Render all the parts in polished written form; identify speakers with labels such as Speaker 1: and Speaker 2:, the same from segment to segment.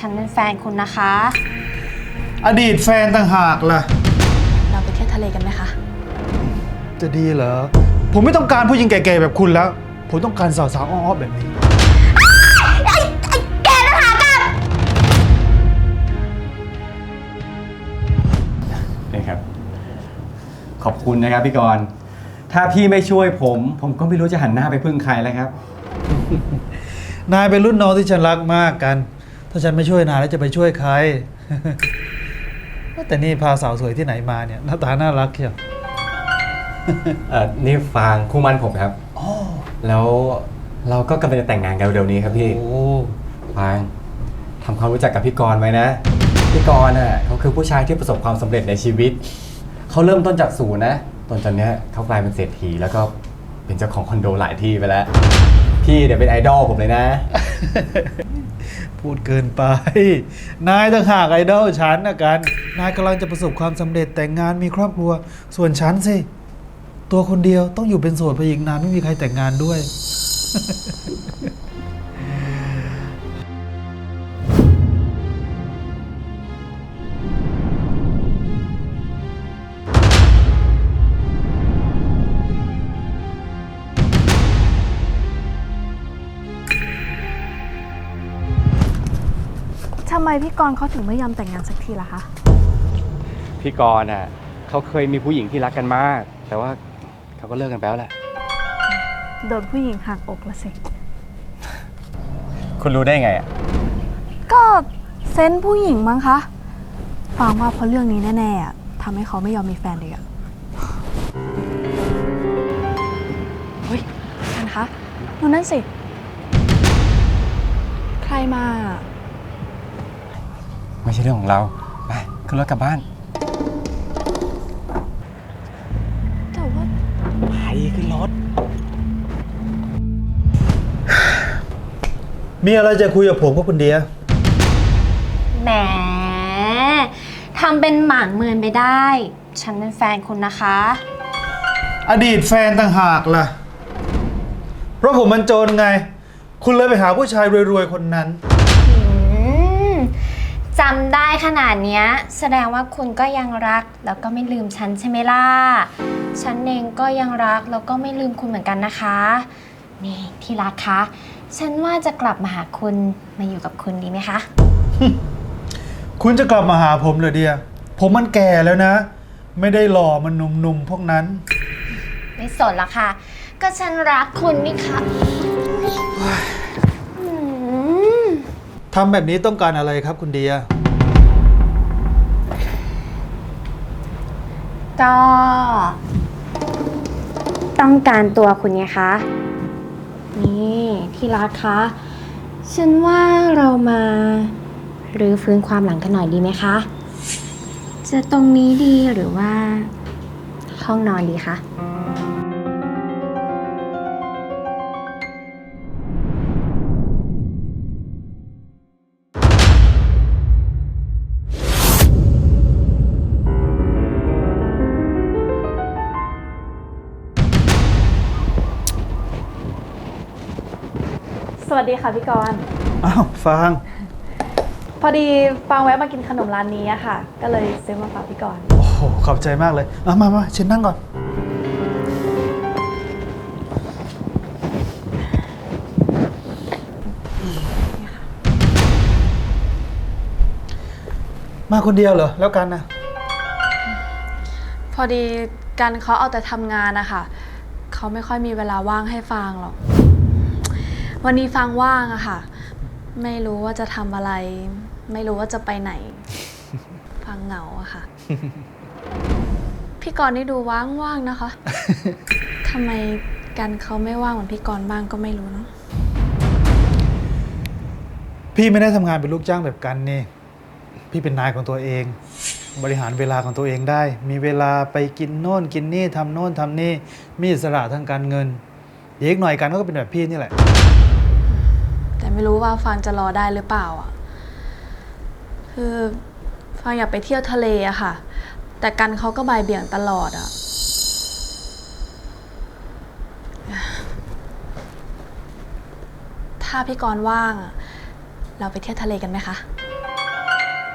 Speaker 1: ฉันเป็นแฟนคุณนะคะ
Speaker 2: อดีตแฟนต่างหากล่ะ
Speaker 3: เราไปเที่ยวทะเลกันไหมคะ
Speaker 2: จะดีเหรอผมไม่ต้องการผู้หญิงแก่ๆแบบคุณแล้วผมต้องการสาวๆอ้อๆแบบนี้
Speaker 1: แกนะคะกัน
Speaker 4: นี่ครับขอบคุณนะครับพี่กรณ์ถ้าพี่ไม่ช่วยผมก็ไม่รู้จะหันหน้าไปพึ่งใครแล้วครับ
Speaker 2: นายเป็นรุ่นน้องที่ฉันรักมากกันถ้าฉันไม่ช่วยนายแล้วจะไปช่วยใคร แต่นี่พาสาวสวยที่ไหนมาเนี่ยหน้าตาน่ารักเชียว
Speaker 4: นี่ฟางคู่มั่นผมครับแล้วเราก็กำลังจะแต่งงานกันเร็วๆนี้ครับพี่
Speaker 2: โอ้
Speaker 4: ฟางทำความรู้จักกับพี่กรณ์ไว้นะพี่กรณ์เขาคือผู้ชายที่ประสบความสำเร็จในชีวิตเขาเริ่มต้นจากศูนย์นะตอนนี้เขากลายเป็นเศรษฐีแล้วก็เป็นเจ้าของคอนโดหลายที่ไปแล้วพี่เดี๋ยวเป็นไอดอลผมเลยนะ
Speaker 2: พูดเกินไปนายต่างหากไอดอลฉันนะกันนายกำลังจะประสบความสำเร็จแต่งงานมีครอบครัวส่วนฉันสิตัวคนเดียวต้องอยู่เป็นโสดไปอีกนานไม่มีใครแต่งงานด้วย
Speaker 3: ทำไมพี่กรณ์เขาถึงไม่ยอมแต่งงานสักทีล่ะคะ
Speaker 4: พี่กรณ์เขาเคยมีผู้หญิงที่รักกันมาก แต่ว่าเขาก็เลิกกันไปแล้วแหละ
Speaker 3: โดนผู้หญิงหักอกละสิ
Speaker 4: คุณรู้ได้ไงอ่ะ
Speaker 3: ก็เซนส์ผู้หญิงมั้งคะ ฟังว่าเพราะเรื่องนี้แน่ๆอะทำให้เขาไม่ยอมมีแฟนเลยอะเฮ้ยกันคะดูนั่นสิ ใครมา
Speaker 4: ไม่ใช่เรื่องของเราไปขึ้นรถกลับบ้าน
Speaker 3: แต่ว่า
Speaker 4: ไปขึ้นรถ
Speaker 2: มีอะไรจะคุยกับผมก็คุณเดีย
Speaker 1: แหมทำเป็นหมางเมินไปได้ ฉันเป็นแฟนคุณนะคะ
Speaker 2: อดีตแฟนต่างหากล่ะเพราะผมมันจนไง คุณเลยไปหาผู้ชายรวยๆคนนั้น
Speaker 1: จำได้ขนาดเนี้ยแสดงว่าคุณก็ยังรักแล้วก็ไม่ลืมฉันใช่ไหมล่ะ ฉันเองก็ยังรักแล้วก็ไม่ลืมคุณเหมือนกันนะคะ นี่ที่รักคะ ฉันว่าจะกลับมาหาคุณมาอยู่กับคุณดีไหมคะ
Speaker 2: คุณจะกลับมาหาผมเหรอเดียผมมันแก่แล้วนะ ไม่ได้หล่อมันหนุ่มๆพวกนั้น
Speaker 1: ไม่สนละค่ะ ก็ฉันรักคุณนี่ค่ะอืม
Speaker 2: ทำแบบนี้ต้องการอะไรครับคุณเดีย
Speaker 1: ก็ต้องการตัวคุณไงคะ นี่ที่รักคะ ฉันว่าเรามารื้อฟื้นความหลังกันหน่อยดีไหมคะ จะตรงนี้ดีหรือว่าห้องนอนดีคะ
Speaker 3: สวัสดีค่ะพี่กรณ์
Speaker 2: อ้าวฟาง
Speaker 3: พอดีฟังแวะมากินขนมร้านนี้อะค่ะ ก็เลยซื้อมาฝากพี่กรณ์
Speaker 2: โอ้โหขอบใจมากเลยมาเชิญนั่งก่อนมาคนเดียวเหรอแล้วกันนะ
Speaker 3: พอดีกันเขาเอาแต่ทำงานนะคะเขาไม่ค่อยมีเวลาว่างให้ฟังหรอก วันนี้ฟังว่างอะค่ะ ไม่รู้ว่าจะทำอะไร ไม่รู้ว่าจะไปไหน ฟังเหงาอะค่ะ พี่กรณ์นี่ดูว่างๆนะคะ ทำไมกันเขาไม่ว่างเหมือนพี่กรณ์บ้างก็ไม่รู้เนาะ
Speaker 2: พี่ไม่ได้ทำงานเป็นลูกจ้างแบบกันนี่พี่เป็นนายของตัวเอง บริหารเวลาของตัวเองได้ มีเวลาไปกินโน่นกินนี่ทำโน่นทำนี่มีอิสระทางการเงินอีกหน่อยกันก็เป็นแบบพี่นี่แหละ
Speaker 3: แต่ไม่รู้ว่าฟังจะรอได้หรือเปล่าอ่ะ คือฟังอยากไปเที่ยวทะเลอะค่ะ แต่กันเขาก็บ่ายเบี่ยงตลอดอะถ้าพี่กรณ์ว่างอะเราไปเที่ยวทะเลกันไหมคะ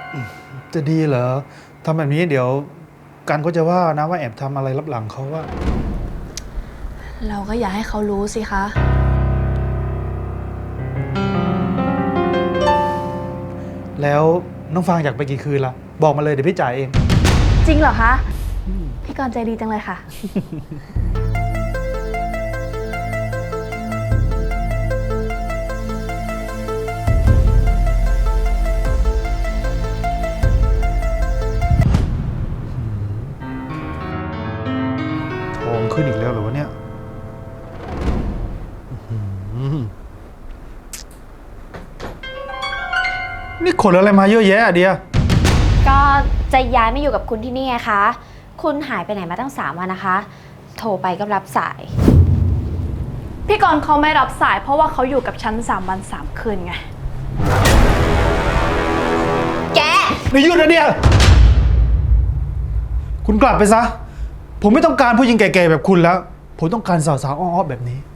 Speaker 2: จะดีเหรอทำแบบนี้เดี๋ยวกันก็จะว่านะว่าแอบทำอะไรรับหลังเขาว่า
Speaker 3: เราก็อย่าให้เขารู้สิคะ
Speaker 2: แล้วน้องฟางอยากไปกี่คืนล่ะ บอกมาเลยเดี๋ยวพี่จ่ายเอง
Speaker 3: จริงเหรอคะ พี่กรณ์ใจดีจังเลยค่ะ
Speaker 2: ทองขึ้นอีกแล้วเหรอวะเนี่ยนี่ขนอะไรมาเยอะแยะอะเดีย
Speaker 1: ก็จะย้ายมาอยู่กับคุณที่นี่ไงคะ คุณหายไปไหนมาตั้ง3 วันนะคะ โทรไปก็รับสาย
Speaker 3: พี่กรณ์เขาไม่รับสายเพราะว่าเขาอยู่กับฉัน3 วัน 3 คืนไง
Speaker 1: แก
Speaker 2: ไม่หยุดนะเดียคุณกลับไปซะ ผมไม่ต้องการผู้หญิงแก่ๆแบบคุณแล้ว ผมต้องการสาวๆอ้อๆแบบนี้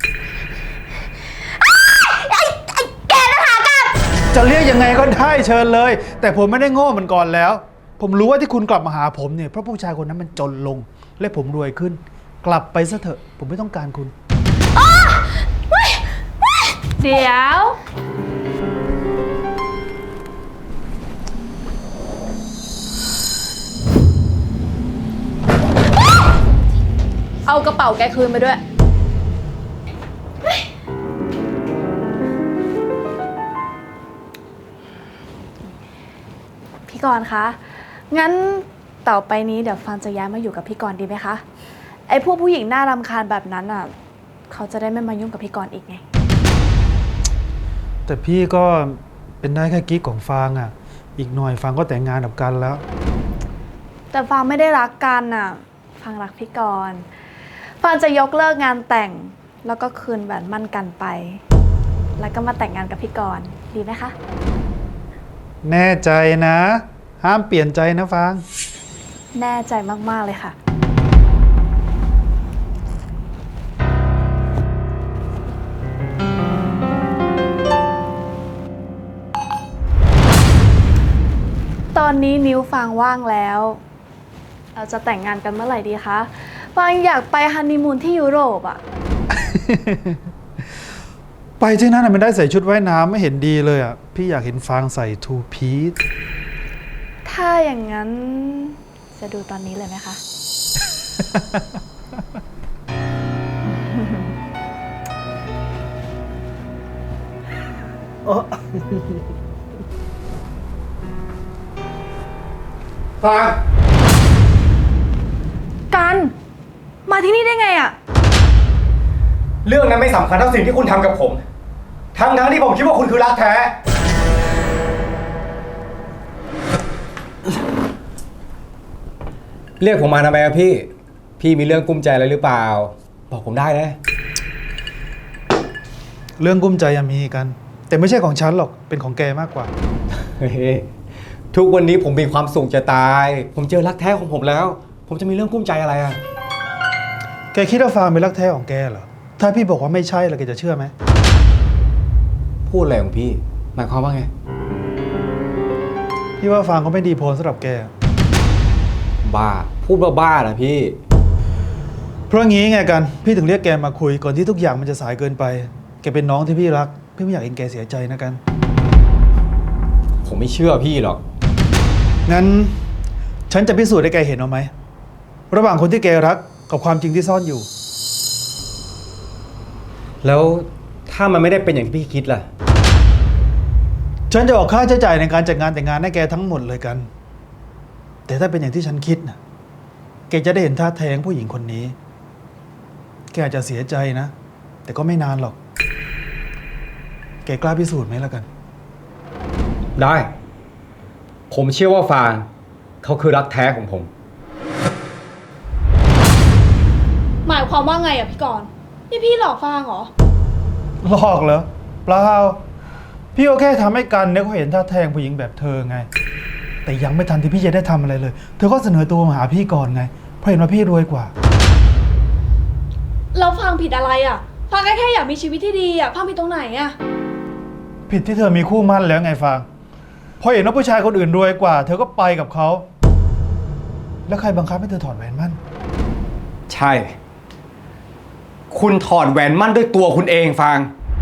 Speaker 1: แกนะคะกัน
Speaker 2: จะเรียกยังไงก็ได้เชิญเลย แต่ผมไม่ได้โง่เหมือนก่อนแล้ว ผมรู้ว่าที่คุณกลับมาหาผมเนี่ยเพราะผู้ชายคนนั้นมันจนลง และผมรวยขึ้น กลับไปซะเถอะ ผมไม่ต้องการคุณ
Speaker 3: เดี๋ยว เอากระเป๋าแกคืนไปด้วย พี่กรณ์คะ งั้นต่อไปนี้เดี๋ยวฟางจะย้ายมาอยู่กับพี่กรณ์ดีไหมคะ ไอ้พวกผู้หญิงน่ารำคาญแบบนั้นอ่ะ เขาจะได้ไม่มายุ่งกับพี่กรณ์อีกไง
Speaker 2: แต่พี่ก็เป็นได้แค่กิ๊กของฟางอ่ะ อีกหน่อยฟางก็แต่งงานกับกันแล้ว
Speaker 3: แต่ฟางไม่ได้รักกันอ่ะ ฟางรักพี่กรณ์ฟางจะยกเลิกงานแต่ง แล้วก็คืนแหวนมั่นกันไป แล้วก็มาแต่งงานกับพี่กรณ์ดีไหมคะ
Speaker 2: แน่ใจนะ ห้ามเปลี่ยนใจนะฟาง
Speaker 3: แน่ใจมากๆเลยค่ะ ตอนนี้นิ้วฟางว่างแล้ว เราจะแต่งงานกันเมื่อไหร่ดีคะฟางอยากไปฮันนีมูนที่ยุโรปอ่ะ
Speaker 2: ไปที่นั่นน่ะมันได้ใส่ชุดว่ายน้ำไม่เห็นดีเลยอ่ะ พี่อยากเห็นฟางใส่ทูพีซ
Speaker 3: ถ้าอย่างนั้นจะดูตอนนี้เลยไหมคะ
Speaker 4: ฟาง
Speaker 3: กัน มาที่นี่ได้ไงอะ
Speaker 4: เรื่องนั้นไม่สำคัญเท่าสิ่งที่คุณทำกับผม ทั้งที่ผมคิดว่าคุณคือรักแท้ เรียกผมมาทำไมอะพี่ พี่มีเรื่องกุ้มใจอะไรหรือเปล่า บอกผมได้นะ
Speaker 2: เรื่องกุ้มใจยังมีกัน แต่ไม่ใช่ของฉันหรอกเป็นของแกมากกว่า
Speaker 4: เฮ้ยทุกวันนี้ผมมีความสุขจะตาย ผมเจอรักแท้ของผมแล้ว ผมจะมีเรื่องกุ้มใจอะไรอะ
Speaker 2: แกคิดว่าฟางเป็นรักแท้ของแกเหรอ ถ้าพี่บอกว่าไม่ใช่แล้วแกจะเชื่อไหม
Speaker 4: พูดอะไรของพี่ หมายความว่าไง
Speaker 2: พี่ว่าฟางก็ไม่ดีพอสำหรับแก
Speaker 4: บ้า พูดบ้าๆนะพี่
Speaker 2: เพราะงี้ไงกัน พี่ถึงเรียกแกมาคุยก่อนที่ทุกอย่างมันจะสายเกินไป แกเป็นน้องที่พี่รัก พี่ไม่อยากเห็นแกเสียใจนะกัน
Speaker 4: ผมไม่เชื่อพี่หรอก
Speaker 2: งั้นฉันจะพิสูจน์ให้แกเห็นเอาไหม ระหว่างคนที่แกรักกับความจริงที่ซ่อนอยู่
Speaker 4: แล้วถ้ามันไม่ได้เป็นอย่างที่พี่คิดล่ะ
Speaker 2: ฉันจะออกค่าใช้จ่ายในการจัดงานแต่งงานให้แกทั้งหมดเลยกัน แต่ถ้าเป็นอย่างที่ฉันคิดนะแกจะได้เห็นท่าแท้งผู้หญิงคนนี้ แกอาจจะเสียใจนะ แต่ก็ไม่นานหรอก แกกล้าพิสูจน์ไหมล่ะกัน
Speaker 4: ได้ ผมเชื่อว่าฟางเขาคือรักแท้ของผม
Speaker 3: หมายความว่าไงอะพี่กรณ์นี่พี่หลอกฟางเหรอ
Speaker 2: หลอกเหรอเปล่าพี่ก็แค่ทำให้กันเนี่ยเขาเห็นท่าแท้งผู้หญิงแบบเธอไง แต่ยังไม่ทันที่พี่จะได้ทำอะไรเลย เธอก็เสนอตัวมาหาพี่ก่อนไง เพราะเห็นว่าพี่รวยกว่า
Speaker 3: เราฟางผิดอะไรอะฟางแค่อยากมีชีวิตที่ดีอะฟางผิดตรงไหนอะ
Speaker 2: ผิดที่เธอมีคู่มั่นแล้วไงฟางพอเห็นว่าผู้ชายคนอื่นรวยกว่า เธอก็ไปกับเขา แล้วใครบังคับให้เธอถอดแหวนมั่น
Speaker 4: ใช่ คุณถอดแหวนมั่นด้วยตัวคุณเองฟาง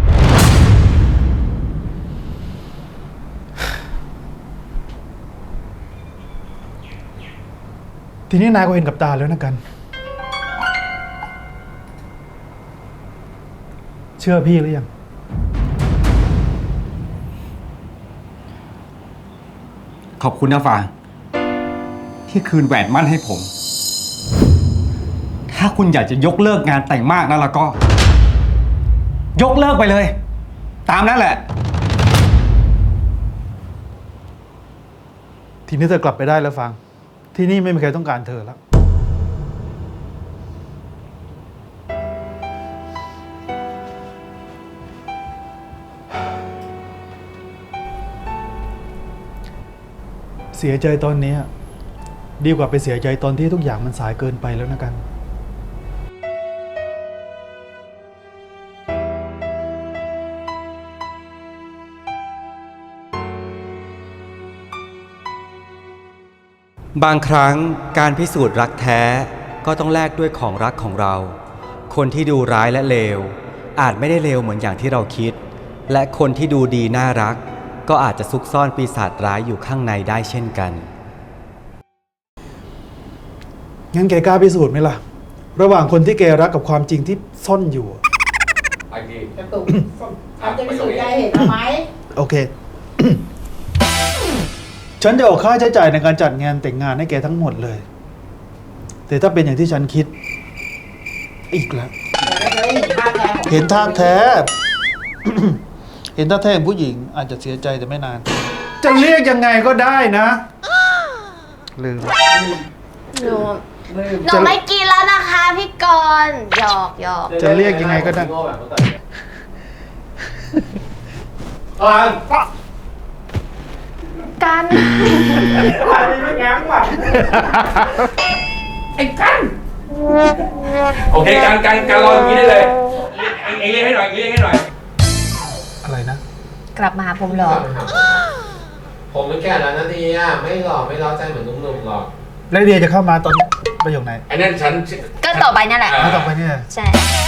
Speaker 2: ทีนี้นายก็เห็นกับตาแล้วนะกัน เชื่อพี่หรือยัง
Speaker 4: ขอบคุณนะฟาง ที่คืนแหวนมั่นให้ผม ถ้าคุณอยากจะยกเลิกงานแต่งมากนะแล้วก็ ยกเลิกไปเลย ตามนั้นแหละ
Speaker 2: ทีนี้เธอกลับไปได้แล้วฟัง ที่นี่ไม่มีใครต้องการเธอแล้ว เสียใจตอนนี้ดีกว่าไปเสียใจตอนที่ทุกอย่างมันสายเกินไปแล้วนะกัน
Speaker 4: บางครั้งการพิสูจน์รักแท้ก็ต้องแลกด้วยของรักของเรา คนที่ดูร้ายและเลวอาจไม่ได้เลวเหมือนอย่างที่เราคิด และคนที่ดูดีน่ารักก็อาจจะซุกซ่อนปีศาจร้ายอยู่ข้างในได้เช่นกัน
Speaker 2: งั้นแกกล้าพิสูจน์ไหมล่ะ ระหว่างคนที่แกรักกับความจริงที่ซ่อนอยู่
Speaker 5: กระตุกทำจะพิสูจน์ใจเห็นไหม
Speaker 2: โอเค ฉันจะออกค่าใช้จ่ายในการจัดงานแต่งงานให้แกทั้งหมดเลย แต่ถ้าเป็นอย่างที่ฉันคิด อีกแล้ว เห็นท่าแท้ เห็นท่าแท้ของผู้หญิงอาจจะเสียใจแต่ไม่นาน จะเรียกยังไงก็ได้นะ ลืม
Speaker 1: หนูไม่กินแล้วนะคะพี่กรณ์หยอกหยอก
Speaker 2: จะเรียกยังไงก็ได้
Speaker 1: กัน
Speaker 6: โอเคการรออย่างนี้ได้เลยเองเรียกให้หน่อยเรียกให้หน่อย
Speaker 2: อะไรนะ
Speaker 1: กลับมาหาผมเหรอ
Speaker 7: ผมมันแก่แล้วนะเดียไม่หล่อไม่เล้าใจเหมือนหนุ่มๆหรอก
Speaker 2: แล้วเดียจะเข้ามาตอนประโยคไหน
Speaker 6: ไอ้นั่นฉัน
Speaker 1: ก็ต่อไปนั่นแหละ
Speaker 2: แล้วต่อไปเนี่ย
Speaker 1: ใช่